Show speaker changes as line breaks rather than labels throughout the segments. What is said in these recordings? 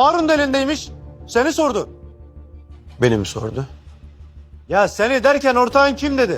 Harun da elindeymiş. Seni sordu.
Beni mi sordu?
Ya seni derken ortağın kim dedi?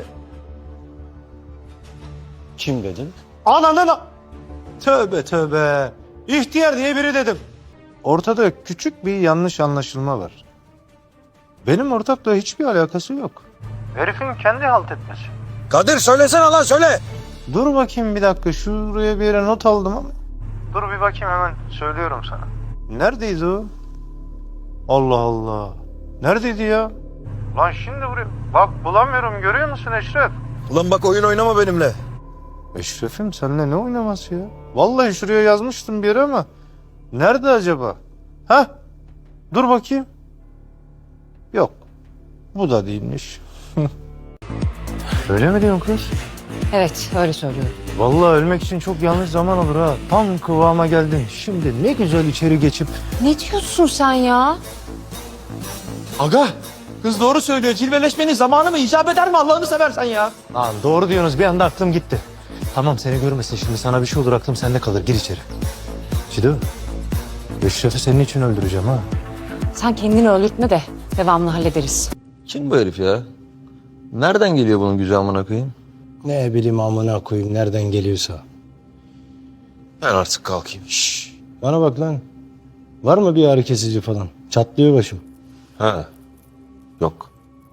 Kim dedin?
Ananın... Tövbe tövbe. İhtiyar diye biri dedim. Ortada küçük bir yanlış anlaşılma var. Benim ortakla hiçbir alakası yok. Herifin kendi halt etmesi.
Kadir söylesene lan söyle.
Dur bakayım bir dakika. Şuraya bir yere not aldım ama. Dur bir bakayım hemen söylüyorum sana. Neredeydi o? Allah Allah. Neredeydi ya? Lan şimdi buraya. Bak bulamıyorum, görüyor musun Eşref?
Ulan bak oyun oynama benimle.
Eşref'im seninle ne oynaması ya? Vallahi şuraya yazmıştım bir yere ama. Nerede acaba? Hah. Dur bakayım. Yok. Bu da değilmiş. Öyle mi diyorsun kız?
Evet, öyle söylüyorum.
Vallahi ölmek için çok yanlış zaman olur ha. Tam kıvama geldin. Şimdi ne güzel içeri geçip...
Ne diyorsun sen ya?
Aga, kız doğru söylüyor. Cilveleşmenin zamanı mı icap eder mi Allah'ını seversen ya?
Lan doğru diyorsunuz, bir anda aklım gitti. Tamam seni görmesin şimdi, sana bir şey olur aklım sende kalır, gir içeri. Cido, Eşref'i senin için öldüreceğim ha.
Sen kendini öldürtme de devamlı hallederiz.
Kim bu herif ya? Nereden geliyor bunun gücü amına koyayım?
Ne bileyim amına koyayım nereden geliyorsa.
Ben artık kalkayım.
Bana bak lan. Var mı bir ağrı kesici falan? Çatlıyor başım.
Ha. Yok.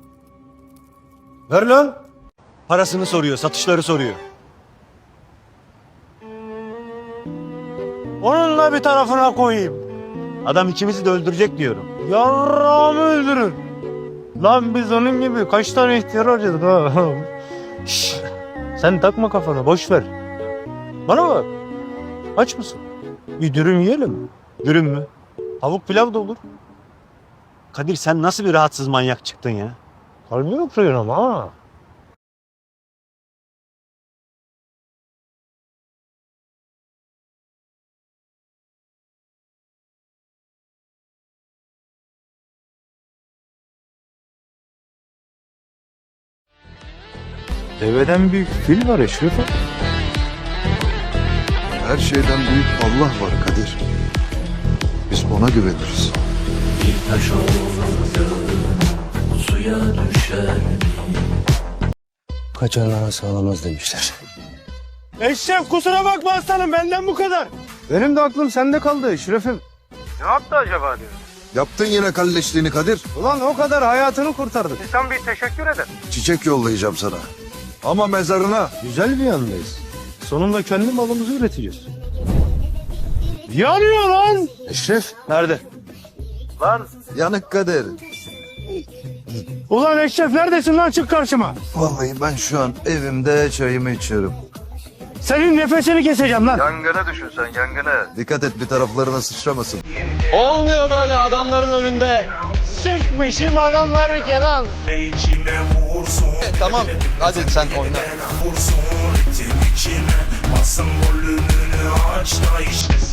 Ver lan.
Parasını soruyor, satışları soruyor.
Onunla bir tarafına koyayım.
Adam ikimizi de öldürecek diyorum.
Yarrağımı öldürür. Lan biz onun gibi kaç tane ihtiyar harcadık ha. Şşş. Sen takma kafana, boş ver. Bana bak. Aç mısın? Bir dürüm yiyelim.
Dürüm mü?
Tavuk pilav da olur.
Kadir sen nasıl bir rahatsız manyak çıktın ya?
Kalbimi kırıyorsun ama ha. Deveden büyük fil var Eşref.
Her şeyden büyük Allah var Kadir. Biz ona güveniriz.
Kaçan anası ağlamaz demişler.
Eşref kusura bakma aslanım, benden bu kadar. Benim de aklım sende kaldı Eşref'im. Ne yaptı acaba diyor.
Yaptın yine kalleşliğini Kadir.
Ulan o kadar hayatını kurtardık. İnsan bir teşekkür eder.
Çiçek yollayacağım sana. Ama mezarına.
Güzel bir yandayız. Sonunda kendi malımızı üreteceğiz. Yanıyor lan!
Eşref.
Nerede? Lan!
Yanık Kadir.
Ulan Eşref neredesin lan, çık karşıma.
Vallahi ben şu an evimde çayımı içiyorum.
Senin nefesini keseceğim lan.
Yangına düşün sen yangına. Dikkat et bir taraflarına sıçramasın.
Olmuyor böyle adamların önünde.
Sıkmışım adamları Kenan.
Tamam hadi sen oyna.
Vursun ritim içime, basın volümünü aç da işte